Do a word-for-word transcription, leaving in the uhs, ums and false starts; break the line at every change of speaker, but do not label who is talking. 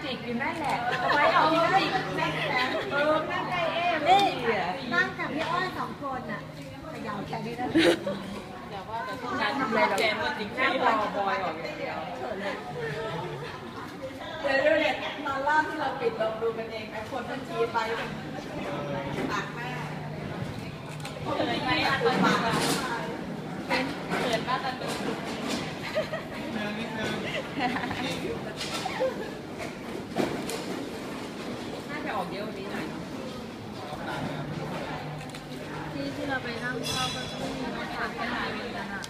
จิกอยู่นั่นแหละเอาไว้เอาที่จิกนั่นแหละเออนั่งใกล้เอ๊ะไม่
นี่
ดีอ่ะ
นั่งกับพี่อ้อยสองคนอ่ะขยาวแค่นี้นะ
แต่ว่าแต่ต้องการทำอะไรเราแกนว่าจริงแค่รอบอยออกอย่างเดียวเขินเลยเดี๋ยวดูเนี่ยตอนล่าที่เราปิดเราดูกันเองไอ้คนมันชี้ไปปากแม่เขินไหมอ่ะตัวปากเขินมากตอนดูน่าจะออกเยอะกว่านี้หน่อย
ที่ที่เราไปนั่งเข้าก็จะไม่มีน้ำตาลแค่ไหนกันอ่ะ